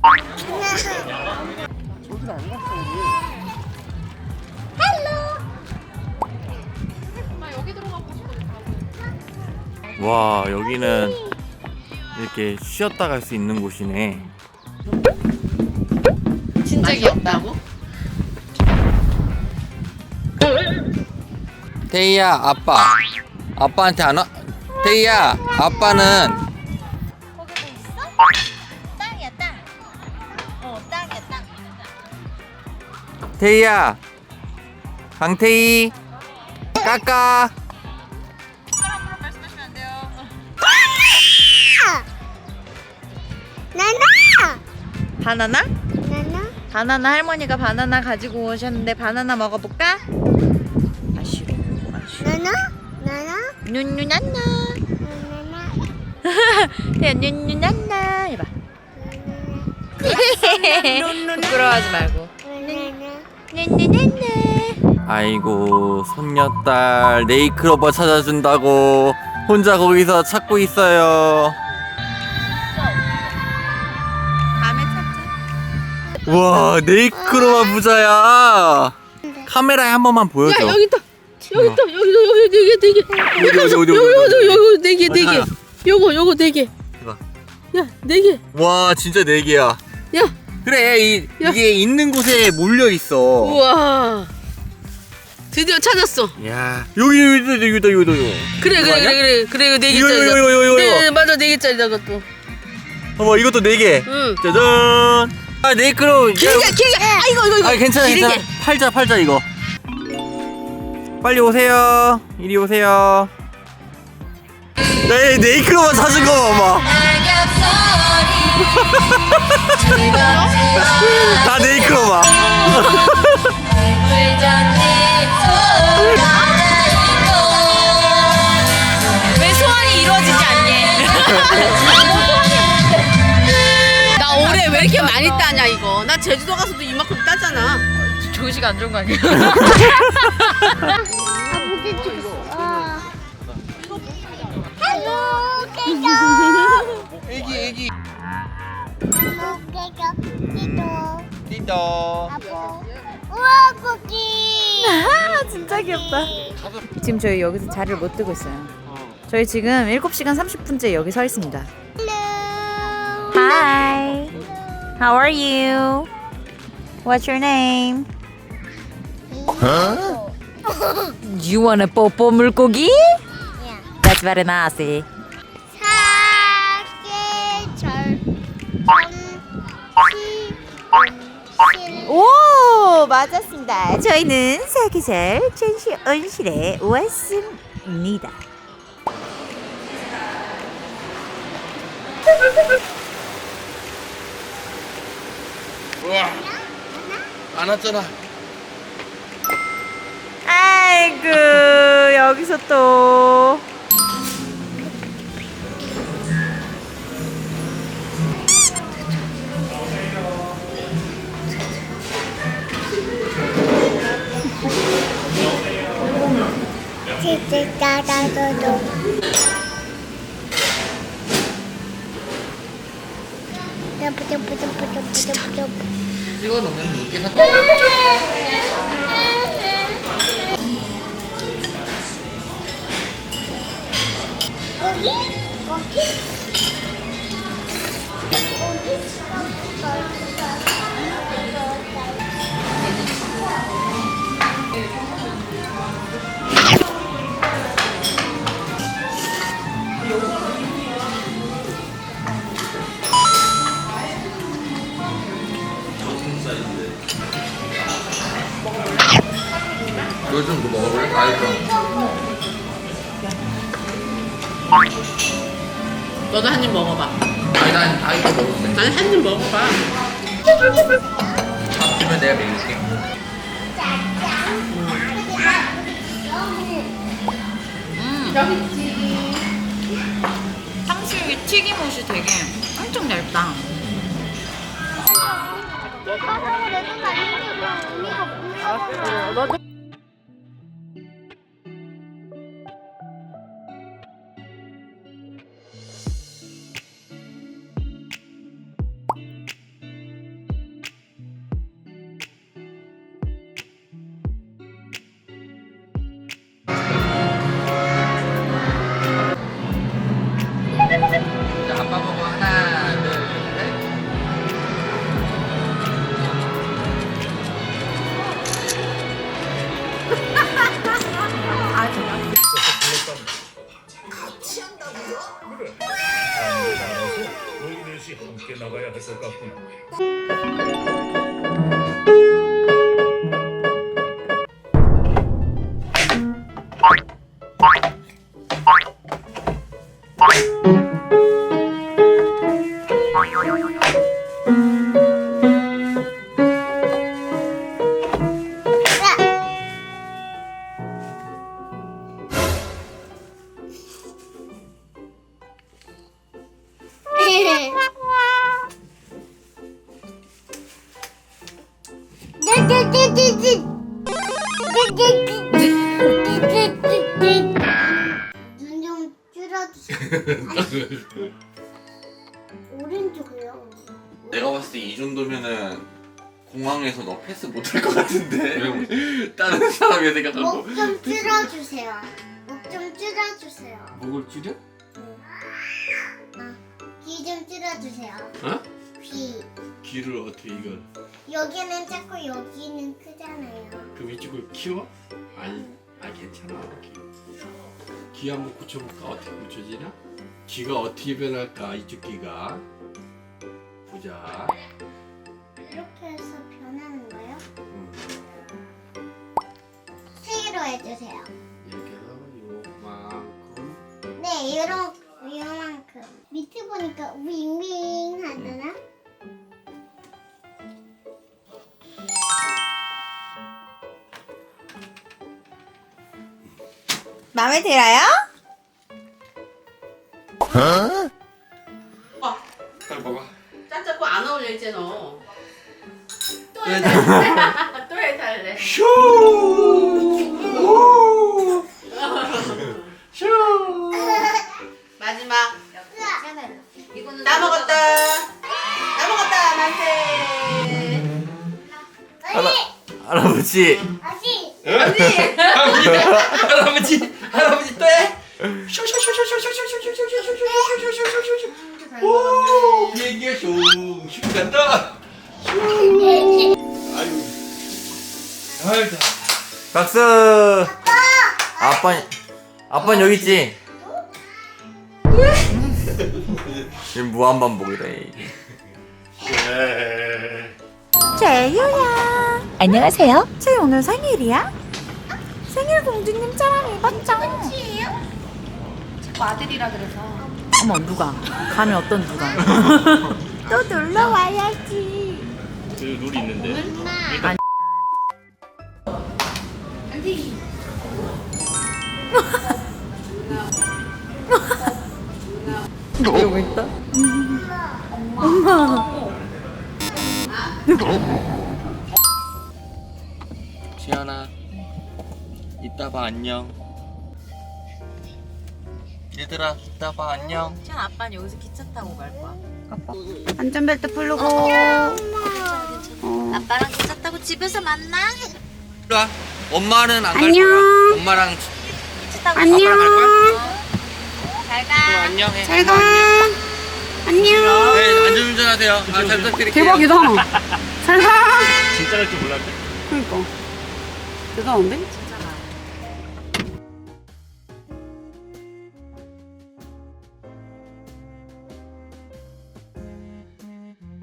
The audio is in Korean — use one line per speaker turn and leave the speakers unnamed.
저기는 안 갔어 우리.
와, 여기는 이렇게 쉬었다 갈 수 있는 곳이네.
진짜 귀엽다고?
태희야, 아빠한테 안 와? 태희야, 아빠는
거기 뭐 있어? 땅이야 땅. 땅이야 땅.
태희야, 강태희, 까까.
사람으로 말씀하시면 안 돼요. 바나나? 바나나 할머니가 바나나 가지고 오셨는데 바나나 먹어볼까? 아쉬워. 눈누난나. 야 눈누난나 해봐. 부끄러워하지 말고. 눈누난나.
아이고, 손녀딸 네이클로버 찾아준다고 혼자 거기서 찾고 있어요.
다음에 찾자.
와, 네이클로버 부자야. 카메라에 한 번만 보여줘.
야 여기 있다 여기 네 개. 요거 네 개. 요거 네 개.
대박.
야 네 개.
와, 진짜 네 개야.
야
그래,
야.
이게 있는 곳에 몰려 있어.
우와 드디어 찾았어.
야, 여기다.
그래
이거
이거 네 개짜리.
이거.
네 맞아 네 개짜리다 그것도.
어머, 이것도 네 개.
응.
짜잔. 아, 네이클로버.
길게. 아 이거.
아, 괜찮아.
길게.
팔자 이거. 빨리 오세요. 이리 오세요. 네, 네이클로버 찾은 거 봐봐. 다 네이클로버.
왜 소원이 이루어지지 않니?
나 올해 왜 이렇게 많이 따냐 이거. 나 제주도 가서도 이만큼 따잖아.
조시가 안 좋은 거 아니야?
애기. 띠도.
우와 고기.
진짜 귀엽다. 지금 저희 여기서 자리를 못 뜨고 있어요. 저희 지금 7시간 30분째 여기 서 있습니다. Hi. How are you? What's your name? You wanna 뽀뽀 물고기? That's very nice. 오, 맞았습니다. 저희는 사계절 전시원실에 왔습니다.
우와. 안 왔잖아.
아이고, 여기서 또.
찍어 놓으면 이렇게 이거 좀 먹어볼래? 아이고.
너도 한 입 먹어봐.
아니, 난 아이고 먹을래.
아니 한 입 먹어봐.
밥 주면 내가 먹일게.
탕수육이 튀김옷이 되게 엄청 얇다.
같이 함께 나가야 할 것 같구나.
눈 좀 줄여주세요. 오른쪽이요.
내가 봤을 때 이 정도면은 공항에서 너 패스 못할 것 같은데. 다른 사람이 생각하고.
목 좀 줄여주세요. 목 좀 줄여주세요.
목을 줄여?
귀 좀 줄여주세요.
어?
귀.
귀를 어떻게 이걸
여기는 작고 여기는 크잖아요.
그 위쪽을 키워? 아니, 괜찮아. 귀 한번 고쳐볼까? 어떻게 고쳐지나? 귀가 어떻게 변할까? 이쪽 귀가 보자.
이렇게 해서 변하는 거예요? 세 개로 해주세요.
이렇게 해서 요만큼.
네, 요만큼. 밑에 보니까 윙윙 하잖아.
마음에 들어요?
빨리 먹어.
짜짜고 안 어울려 이제 너. 또 해달래. 또 해달래.
슈! 슈!
마지막. 나 먹었다. 나 먹었다. 만세.
할아버지.
아직
할아버지 또 해? 오, 비행기가 슝 간다. 아유, 아이다.
박수. 아빠는 여기 있지. 이 무한반복이래.
제유야. 안녕하세요. 제유 오늘 생일이야? 생일 공주님처럼 입었죠? 자꾸 아들이라 그래서. 어머 누가? 감히 어떤 누가? 또 놀러 와야지.
그 룰이 있는데.
엄마.
이러고 있다.
지연아, 이따 봐. 안녕. 얘들아, 이따 봐. 안녕.
전 아빠는 여기서 기차 타고 갈 거야. 아빠. 안전벨트 풀고. 아빠랑 기차 타고 집에서 만나.
이리 와. 엄마는 안 갈 거야. 엄마랑
기차 타고
안녕.
아빠랑 갈 거야?
잘 가.
안녕 해.
잘 가. 안녕.
네, 안전운전하세요. 잘 부탁드릴게요.
대박이다. 잘 가.
진짜 갈 줄 몰랐네.
그러니까 대단한데?